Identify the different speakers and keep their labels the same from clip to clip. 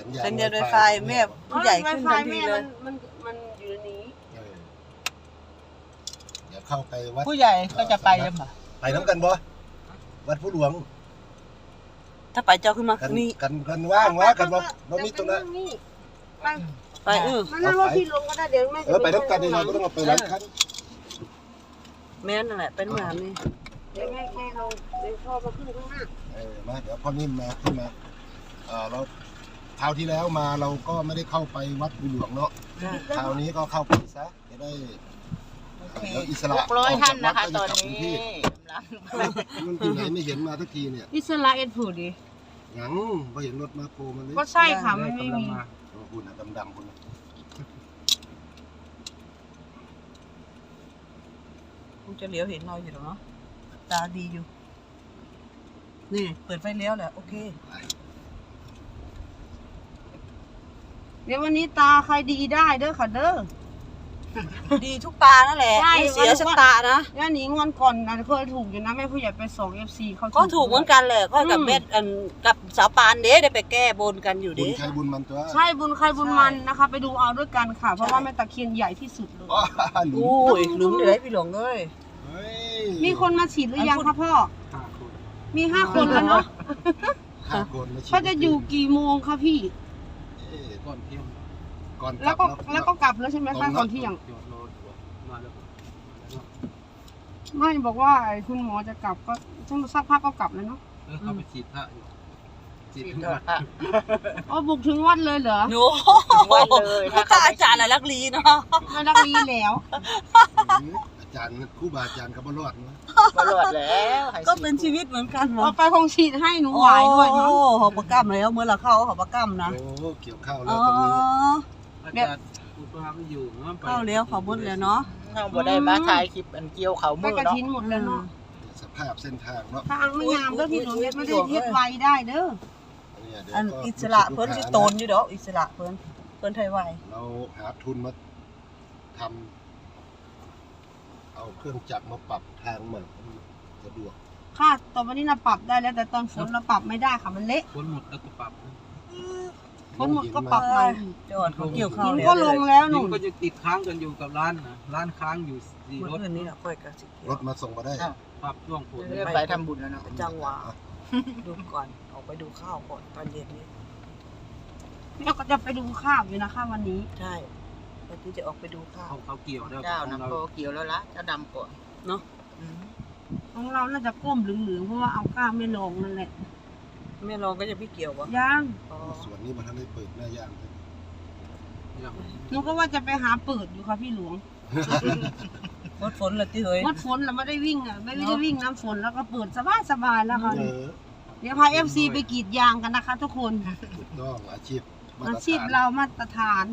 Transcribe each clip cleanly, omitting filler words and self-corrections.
Speaker 1: สัญญาณ Wi-Fi แม่ผู้ใหญ่ขึ้นทันทีเลย
Speaker 2: มันอยู่ในนี้
Speaker 3: เดี๋ยวเข้าไปวัด
Speaker 1: ผู้ใหญ่ก็จะไปยังไง
Speaker 3: ไปน้ำกันบ่วัดผู้หลวง
Speaker 1: ถ้าไปเจ้าขึ้นมานี่
Speaker 3: กันว่างวะกันบ่มีตรงนั้น
Speaker 1: ไป
Speaker 2: มันนั่งรถที่ลงก็ได้เดี๋ยวแม่
Speaker 3: ไปน้ำกันนี่เราก็ต้องเอาไปแล้วคัน
Speaker 1: แม่นั่นแหละเป็นงานนี่
Speaker 2: เดี๋ยวแม่ลงเดี๋ยวพ่อมาขึ้นข้างหน้า
Speaker 3: มาเดี๋ยวพ่อนิ่มมาขึ้นมาเราคราวที่แล้วมาเราก็ไม่ได้เข้าไปวัดผู้หลวงเนาะคราวนี้ก็เข้าไปซะจะได้อิสระ
Speaker 4: 600 ท่านนะคะตอนนี้
Speaker 3: มันที่ไหนไม่เห็นมาทุกทีเนี่ย
Speaker 2: อิสระเอ็ดผูดิ
Speaker 3: ยังไม่เห็นรถมาโผล่มาเลย
Speaker 2: ก็ใช่ค่ะมันไม่มี
Speaker 3: คุณดำๆคุณ
Speaker 1: คงจะเลี้ยวเห็นเราอยู่หรอเนาะตาดีอยู่นี่เปิดไฟเลี้ยวแหละโอเค
Speaker 2: เดี๋ยววันนี้ตาใครดีได้เด้อค่ะเด้อ
Speaker 1: ดีทุกตานั่นแหละไม่เสียสักตานะ
Speaker 2: ย่าหนิงวันก่อนนะเคยถูกอยู่นะแม่ผู้ใหญ่ไปส่ง FC เขา
Speaker 1: ก็ถูกเหมือนกันแหละก็กับเม็ดกับสาวปานเด้ได้ไปแก้บนกันอยู่ดิ
Speaker 3: บุญใครบุญมันตัว
Speaker 2: ใช่บุญใครบุญมันนะคะไปดูเอาด้วยกันค่ะเพราะว่าแม่ตะเคียนใหญ่ที่สุดเลย
Speaker 1: โอ้ยหลุมเดี๋ยวให้พี่หลงเลย
Speaker 2: มีคนมาฉีดหรือยังคะพ่อมี5 คนแล้วเนาะเขาจะอยู่กี่โมงคะพี่
Speaker 3: ก่อนเที่ยง
Speaker 2: แล้วก็กลับแล้วใช่ไหมคะก่อนเที่ยงไม่บอกว่าคุณหมอจะกลับก็ช่วงสักพักก็กลับแล้วเนาะ
Speaker 5: เขาไปฉีดพระอยู่
Speaker 4: ฉีดถึงวัด
Speaker 2: อ๋อบุกถึงวัดเลยเหรอ
Speaker 1: โอ้วัดเลยถ้าอาจารย์อะไรลักลีเนาะ
Speaker 2: ไม่ลักลีแล้ว
Speaker 3: อาจารย์ครูบาอาจารย์เขาบ่รอดนะ
Speaker 4: บ่รอดแล้ว
Speaker 1: ก็เป็นชีวิตเหมือนกัน
Speaker 2: เอาไปคงฉีดให้หนูไหวด้วยเนาะ
Speaker 1: โอ้หอบประกัมแล้วเมื่อเราเข้าหอบประกัมนะ
Speaker 3: โอ้เกี่ยวข้าวแล้วตรงนี้
Speaker 5: อาจารย์อุปถัมภ์ไม่อยู่เนาะ
Speaker 1: เข้าเลี้ยวเขาบดเลยเนาะ
Speaker 4: เราบ่ได้มาถ่ายคลิปเกี่ยวเขามือ
Speaker 2: เนาะกระทิ้นหมดเลยเนาะ
Speaker 3: สภาพเส้นทางเนาะ
Speaker 2: ทางไม่งามเด้อพี่หนูไม่ได้เฮ็ดไวได้เด้อ
Speaker 1: อิสระเพิ่นสิโตนอยู่ดอกอิสระเพิ่นไทยไว
Speaker 3: เราหาทุนมาทำเอาเครื่องจักรมาปรับทางใหม่สะดวก
Speaker 2: ค่ะตอนวันนี้เราปรับได้แล้วแต่ตอนฝนเราปรับไม่ได้ค่ะมันเละ
Speaker 5: ฝนหมดแล้วก็ปรับ
Speaker 2: ฝนหมดก็ปรับใหม่
Speaker 1: จอดเขาเกี่ยวข้าว
Speaker 2: ก็ลงแล้วหนู
Speaker 5: ก็จะติดค้างกันอยู่กับร้านนะร้านค้างอยู่4 รถ
Speaker 1: นี่ค่อยกันสิ
Speaker 3: รถมาส่งมาได้
Speaker 5: ปรับช่วงฝน
Speaker 4: ไปทำบุญแล้วเนาะ
Speaker 1: จังหวะดูก่อนออกไปดูข้าวก่อนตอนเย็นนี้
Speaker 2: เราก็จะไปดูข้าวอยู่นะคะวันนี้
Speaker 1: ใช่วันที่จะออกไปดูข้าว
Speaker 5: เขาเกี่ยวแล้ว
Speaker 4: เจ้านะโคเกี่ยวแล้วละเจ้าดำก่อน
Speaker 1: เนาะ
Speaker 2: ของเราน่าจะก้มเหลืองๆเพราะว่าเอาก้าวไม่ลงนั่นแหละ
Speaker 1: ไม่ลองก็จะพี่เกี่ยววะ
Speaker 2: ยัง
Speaker 3: ส่วนนี้มันทำให้เปิดหน้าย่าง
Speaker 2: หนูก็ว่าจะไปหาเปิดอยู่ค่ะพี่หลวง
Speaker 1: งดฝนเลยที่เฮ้ย
Speaker 2: งดฝนเราไม่ได้วิ่งอ่ะไม่ได้วิ่งน้ำฝนแล้วก็เปิดสบายแล้วค่ะเดี๋ยวพา FC ไปกรีดยางกันนะคะทุกคน
Speaker 3: ถูกต้องอาชีพ
Speaker 2: เรามาตรฐาน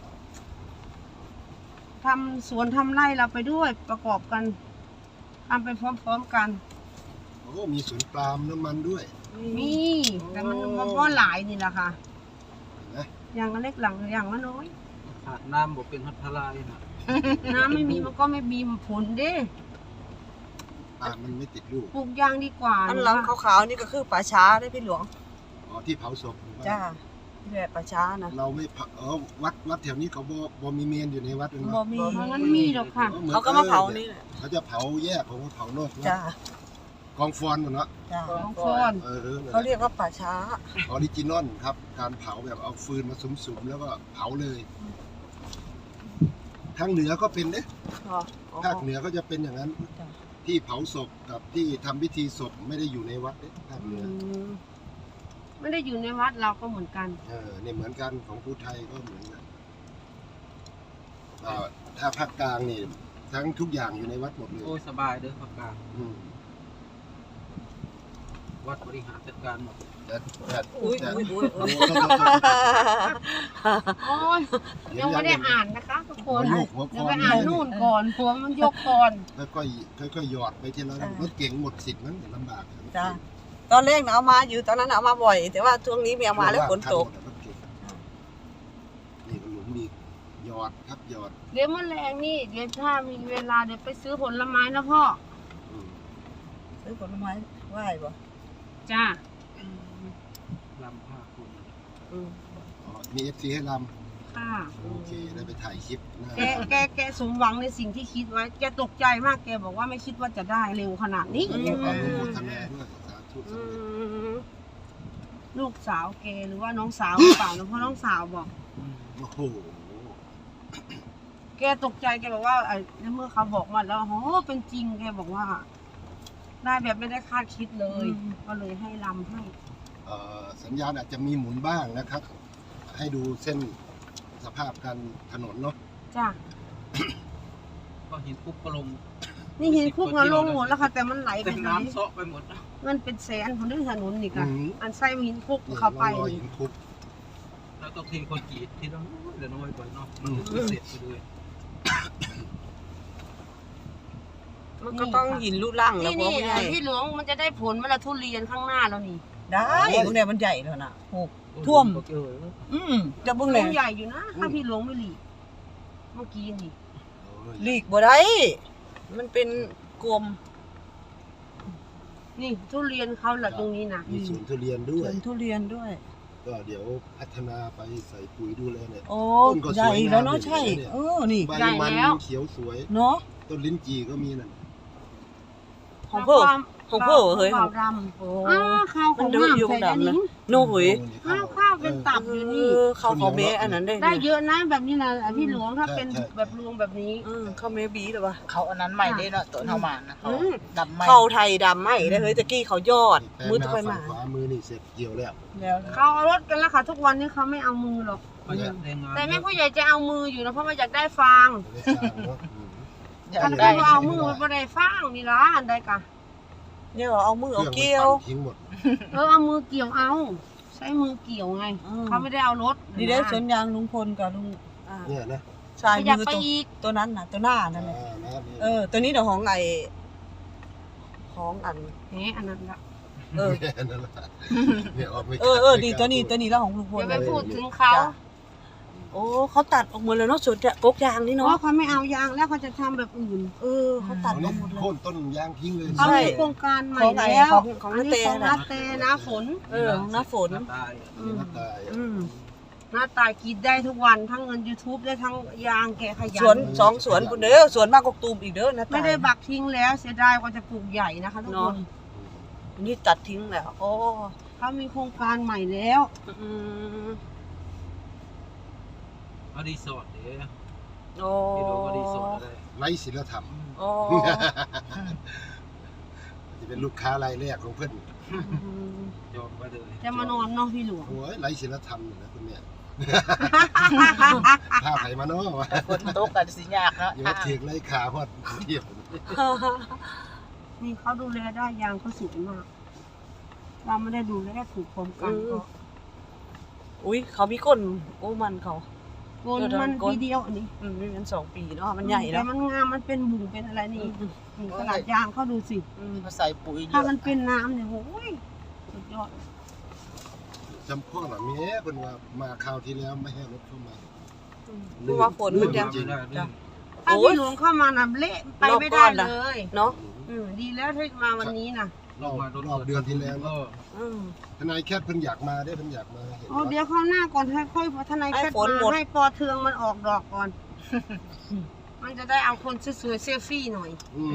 Speaker 2: ทำสวนทำไร่เราไปด้วยประกอบกันทำไปพร้อมๆกัน
Speaker 3: โอ้มีสวนปาล์มน้ำมันด้วย
Speaker 2: มีแต่มันก็หลายนี่แหละค่ะอย่างเล็กหลังอย่างน้อย
Speaker 5: ขาดน้ำบอกเป็นพัทลายนะ
Speaker 2: น้ำไม่มีมันก็ไม่มีผลเด้
Speaker 3: มันไม่ติดลูก
Speaker 2: ปลูกยางดีกว่า
Speaker 1: อันหลังขาวๆนี่ก็คือป่าช้าได้พี่หลวง
Speaker 3: อ๋อที่เผาศพ
Speaker 1: จ้าที่แบบป่าช้านะ
Speaker 3: เราไม่วัดแถวนี้เขาบ่มีเมนอยู่ในวัดเป็น
Speaker 1: บ่มี
Speaker 2: งั้นมีหรอกค่ะ
Speaker 1: เขาก็มาเผานี่แหละ
Speaker 3: เขาจะเผาแยกของเผาโน่น
Speaker 1: จ้
Speaker 3: ากองฟอนหมดเนาะ
Speaker 2: กองฟอน
Speaker 1: เขาเรียกว่าป่าช้า
Speaker 3: ออริจินอลครับการเผาแบบเอาฟืนมาสุมๆแล้วก็เผาเลยทางเหนือก็เป็นเนี่ยภาคเหนือก็จะเป็นอย่างนั้นที่เผาศพกับที่ทำพิธีศพไม่ได้อยู่ในวัดเนี่ยภาคเหนือ
Speaker 2: ไม่ได้อยู่ในวัดเราก็เหมือนกัน
Speaker 3: เนี่ยเหมือนกันของผู้ไทยก็เหมือนกันถ้าภาคกลางนี่ทั้งทุกอย่างอยู่ในวัดหมดเลย
Speaker 5: โอ้ยสบายเด้อภาคกลางวัดบริหารจัดการหมด
Speaker 2: ยังไม่ได้อ่านนะคะทุกคนเดี๋ยวไปอ่านนู่นก่อนหัวมันยกก่อน
Speaker 3: ค่อยหยอดไปทีละรถเก๋งหมดสิทธิ์นั้นลำบาก
Speaker 1: จ้าตอนแรกเอามาอยู่ตอนนั้นเอามาบ่อยแต่ว่าช่วงนี้ไม่เอามาแล้วฝนตก
Speaker 3: นี่ก็หลุมดีหยอดครับหยอด
Speaker 2: เดี๋ยวมันแรงนี่เดี๋ยวถ้ามีเวลาเดี๋ยวไปซื้อผลไม้นะพ่อ
Speaker 1: ซื้อผลไม้ไหว้ป่ะ
Speaker 2: จ้า
Speaker 5: ลำผ้าคุณ
Speaker 3: อ๋อมี FC ให้ล
Speaker 2: ค่ะ
Speaker 3: ำโอเคได้ไปถ่ายคลิปหน้า
Speaker 2: แกสมหวังในสิ่งที่คิดไว้ แกตกใจมาก แกบอกว่าไม่คิดว่าจะได้เร็วขนาดนี้
Speaker 3: ขออนุโมทนาด้วยสาธุสำเร็จ
Speaker 2: ลูกสาวแกหรือว่าน้องสาวหรือเปล่านะเพราะน้องสาวบอก
Speaker 3: โอ้โห
Speaker 2: แกตกใจแกบอกว่าในเมื่อเขาบอกมาแล้วโอ้เป็นจริงแกบอกว่า ได้แบบไม่ได้คาดคิดเลย ก็เลยให้ลำให้
Speaker 3: สัญญาณอาจจะมีหมุนบ้างนะครับ ให้ดูเส้นสภาพการถนนเนาะ
Speaker 2: จ้ะ
Speaker 5: ก็เห็นปุ๊บก็ลง
Speaker 2: นี่เห็นคุกมาลงหมดแล้วค่ะ แต่มันไหลไป
Speaker 5: เต็ม
Speaker 2: ไหน
Speaker 5: น้ำเซาะไปหมดนะ
Speaker 2: มันเป็นแสนคนที่ถนนนี่ค่ะ
Speaker 3: อืม
Speaker 2: อันไส้หินคุก
Speaker 3: นี่
Speaker 2: เข้าไป
Speaker 3: รอย
Speaker 2: นี่
Speaker 3: หินคุก
Speaker 5: แล้วต้องทีคนกรีดที่เราเดี๋ยวน้อยไปเนาะมันถึงจะเสร็จไปเลย
Speaker 1: มันก็ต้องหินลูกล่างแล้ว
Speaker 2: นี่
Speaker 1: พวก
Speaker 2: นี่
Speaker 1: ใหญ่
Speaker 2: พี่หลวงมันจะได้ผลเวลาทุเรียนข้างหน้าแล้วนี่
Speaker 1: ได้พวกเนี้ยมันใหญ่แล้วนะโหท่วม จะเบิ่ง
Speaker 2: หล
Speaker 1: เล
Speaker 2: วย งใหญ่อยู่นะถ้าพี่หลวงไม่หลีกเมื่อกี้นี่
Speaker 1: หลีกบ่ได้มันเป็นกลม
Speaker 2: นี่ทุเรียนเขาแหละตรงนี้นะ
Speaker 3: มีสวนทุเรียนด้
Speaker 1: ส
Speaker 3: ว
Speaker 1: วย นทุเรียนด้วย
Speaker 3: ก็เดี๋ยวพัฒนาไปใส่ปุ๋ยดูแลเนี่ย
Speaker 1: โอ้
Speaker 3: ต้นก็
Speaker 1: ใหญ่
Speaker 3: สวยงาม
Speaker 1: แล้วเนาะ
Speaker 3: เลย
Speaker 1: ใช่
Speaker 3: เนี่ย
Speaker 1: นี่
Speaker 3: ใบมันเขียวสวย
Speaker 1: เนาะ
Speaker 3: ต้นลิ้นจี่ก็มีนั่น
Speaker 1: ของเพิ่ม ของเพิ่มเฮ้ย
Speaker 2: ข้าวด
Speaker 1: โอ้
Speaker 2: ำอ้าวข้าวของ
Speaker 1: มันเดือดอยู่
Speaker 2: น้ำใส่
Speaker 1: ดำนะ
Speaker 2: อันนี้
Speaker 1: โน่หุย
Speaker 2: ข้าวเป็นตับอยู่นี่
Speaker 1: เขาเมอันนั้นได้
Speaker 2: ได้เยอะนะแบบนี้นะพี่หลวงถ้าเป็น
Speaker 3: ใช่
Speaker 2: แบบรวงแบบนี้
Speaker 1: เขาเมบีหรือวะ
Speaker 4: เขาอันนั้นใหม่ได้เนาะตัวเท่ามานะเขา
Speaker 1: อืม
Speaker 4: ดำใหม่
Speaker 1: เขาไทยดำไหมได้เฮ้ยตะกี้เขายอด
Speaker 3: แปลง
Speaker 1: มือ
Speaker 3: นา
Speaker 1: ตะไป
Speaker 3: ฝั่
Speaker 1: มาง
Speaker 3: ขวามือนี่เสร็จเกี่ยวแล้ว
Speaker 1: แล้ว
Speaker 2: เขาเอารถกันแล้วค่ะ ทุกวันนี้เขาไม่เอามือหรอก
Speaker 5: ก็จะแรงงาน
Speaker 2: แต่แม่ผู้ใหญ่จะเอามืออยู่นะเพราะว่าอยากได้ฟาง
Speaker 3: ไม่ได้สร้างเนาะ
Speaker 4: อยา
Speaker 2: คัน
Speaker 4: ก
Speaker 2: ก็
Speaker 4: ได้
Speaker 2: เอามือมันบ่ได้ฟางนี่ล่ะอันใดกะ
Speaker 1: เนี่ยเอามือ
Speaker 3: เค
Speaker 1: เอา
Speaker 3: รื่องมัน
Speaker 1: เกี้ยว
Speaker 3: ปั่นทิ้งหมด
Speaker 2: เอามือเกี่ยวเอา ใช้มือเกี่ยวไง
Speaker 1: อืม
Speaker 2: เขาไม่ได้เอารถ
Speaker 1: นี่ได้สวนยางลุงพลกับลุง
Speaker 3: เนี่ยนะ
Speaker 1: ชาย
Speaker 2: ขยับ
Speaker 1: มือ
Speaker 2: ไป
Speaker 1: ตัว
Speaker 2: อีก
Speaker 1: ตัวนั้นน่ะตัวหน้านั่นแหละ
Speaker 3: นะนี่
Speaker 1: ตัวนี้เดี๋ยวของไอของอัน
Speaker 2: แหมอันนั้นละ
Speaker 1: เออ
Speaker 3: นั่นแหละเนี่ยออกไม่
Speaker 1: ดีตัวนี้แล้วของลุงพล
Speaker 2: อย่าไปพูดถึงเขา
Speaker 1: โอ้เขาตัดออกหมดเลยเนาะสวนกกยางนี่
Speaker 2: เพ
Speaker 1: เนาะ
Speaker 2: ราะเขาไม่เอายางแล้วเขาจะทำแบบอื่น
Speaker 1: เขาตัด
Speaker 3: เอา
Speaker 1: ออ
Speaker 3: นี่
Speaker 1: กหมดเลย
Speaker 3: โค่นต้นยางทิ้งเลย
Speaker 2: เขามีโครงการใหม่
Speaker 1: ของไหน
Speaker 2: แล้ว
Speaker 1: ของ
Speaker 2: อันนี้
Speaker 1: ของ
Speaker 2: ของ
Speaker 1: นา
Speaker 2: นา
Speaker 1: เต
Speaker 2: เตนะฝน
Speaker 1: ของหน้าฝน
Speaker 5: หน้าตาย
Speaker 3: นี่นะตาย
Speaker 2: หน้าตายกินได้ทุกวันทั้งเงิน YouTube ได้ทั้งยางแกขยั
Speaker 1: สวนสองสวนคุณเด้อสวนมากกตูมอีกเด้อนะ
Speaker 2: ไม่ได้บักทิ้งแล้วเสียดายกว่าจะปลูกใหญ่นะคะทุกคน
Speaker 1: นี่ตัดทิ้งแล้วโอ้
Speaker 2: เขามีโครงการใหม่แล้ว
Speaker 5: เอารีสอร์ทเดี๋ยว
Speaker 1: โอ้
Speaker 5: ที่เราก็รีสอร์ทอะไร
Speaker 3: ไร้ศีลธรรม
Speaker 1: โอ้
Speaker 3: จะเป็นลูกค้ารายแรกของเพื่อน
Speaker 5: ยอมไปเลย
Speaker 2: จะมานอนเนาะพี่หลวง
Speaker 3: โอ้ยไร้ศีลธรรมอยู่นะคุณเนี่ยผ้าไผ่มาเนาะวะ
Speaker 4: ฝนตกกันสิยากเนาะ
Speaker 3: อย่ามาเถียงไร้ขาพอดเที่ยว
Speaker 2: นี่เขาดูแลได้ยางเขาสวยมาก เราไม่ได้ดูแลถูกพร้อมกันก็
Speaker 1: อุ้ยเขามีก้นโอ้มันเขา
Speaker 2: โกนมันทีเดียวอันนี้
Speaker 1: มัน2 ปีเนาะมันใหญ่แล้
Speaker 2: แต่
Speaker 1: ว
Speaker 2: มันงามมันเป็นบุ๋งเป็นอะไรนี่นี่ขนาดยางเขาดูสิ
Speaker 4: มาใส่ปุ๋ยเย
Speaker 2: ถ้า
Speaker 4: อะ
Speaker 2: มันเป็นน้ำเนี่ยโอ้ยสุดยอด
Speaker 3: จำพ่อหน่อยแม่เพิ่นว่ามาคราวที่แล้วไม่ให้รถเข้ามา
Speaker 1: เพราะว่าฝนมันยัง
Speaker 3: จริง
Speaker 5: ได้เรื่อง
Speaker 2: ถ้าพี่หลวงเข้ามาน่ะเละไปไม่ได้เลย
Speaker 1: เนาะ
Speaker 2: ดีแล้วที่มาวันนี้นะ
Speaker 3: รอบเดือนที่แล้ว
Speaker 5: ก็
Speaker 3: ทนายแคทเพิ่นอยากมาได้เพิ่นอยากมาเห็น
Speaker 2: โอ้เดี๋ยวเข้าหน้าก่อนให้ค่อยพัฒนาแค่มาให้ปอเทืองมันออกดอกก่อน มันจะได้เอาคนสวยๆเซลฟี่หน่อย
Speaker 3: บรร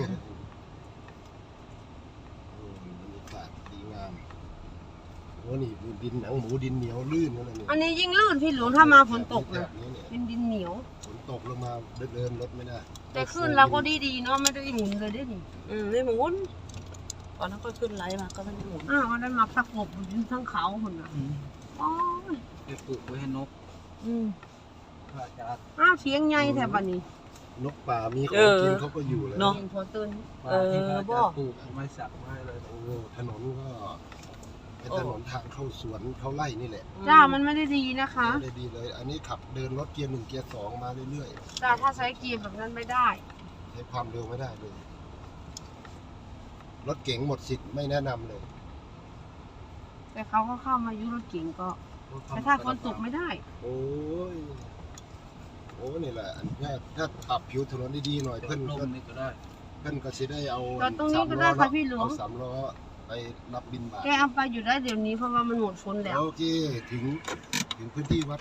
Speaker 3: ยากาศดีงามโอ้นี่ดินหนังหมูดินเหนียวลื่นนั่นแหละ
Speaker 2: อันนี้ยิ่งลื่นพี่หลวงถ้ามาฝนตก
Speaker 3: แบ
Speaker 2: นะ
Speaker 3: บนี้เนี่ย
Speaker 2: เป็นดินเหนียว
Speaker 3: ฝนตกลงมาเดินรถไม่ได้
Speaker 2: แต่ขึ้นเราก็ดีๆเนาะไม่ได้หมุนเลยได้ดิ
Speaker 1: นี่หมุนตอนนั้นก็ขึ้นไลฟ์มาก็ไม่ได้หมุน
Speaker 2: มันได้มาประกบอยู่ทั้งเขาคนน่ะโอ้ย
Speaker 5: ไปปลูกไว้ให้นกพระอาจารย์
Speaker 2: เสียงใหญ่แถบนี้
Speaker 3: นกป่ามีของกินเขาก็อยู่เลย
Speaker 1: เนาะ
Speaker 2: เสียงพอตื่น
Speaker 5: ปลาที่พระอาจารย์ปลูกไม้สักไม้อะไร
Speaker 3: โอ้ถนนก็เป็นถนนทางเข้าสวนเข้าไร่นี่แหละ
Speaker 2: จ้ามันไม่ได้ดีนะคะ
Speaker 3: ไม่ได้ดีเลย อันนี้ขับเดินรถเกียร์1เกียร์2มาเรื่อย
Speaker 2: จ้าถ้าใช้เกียร์แบบนั้นไม่ได้
Speaker 3: ๆใช้ความเร็วไม่ได้เลยรถเก๋งหมดสิทธิ์ไม่แนะนำเลย
Speaker 2: แต่เขาก็เข้ามายุรถเก่งก็ แต่ถ้าฝนตกไม่ได้
Speaker 3: โอ้ยโอ้นี่แหละอันนี้ถ้าปรับผิวถนนดีๆหน่อย
Speaker 5: เพิ่
Speaker 3: เพิ่
Speaker 5: น
Speaker 3: น
Speaker 5: นี่ก็ได้
Speaker 3: ก็สิได้เอา
Speaker 2: จอดตรงนี้ก็ได้ค่ะพี่หลวง
Speaker 3: เอา3 ล้อไปรับบินบาท
Speaker 2: แกเอาไปอยู่ได้เดี๋ยวนี้เพราะว่ามันหมดฝนแล้ว
Speaker 3: โอเคถึงถึงพื้นที่วัด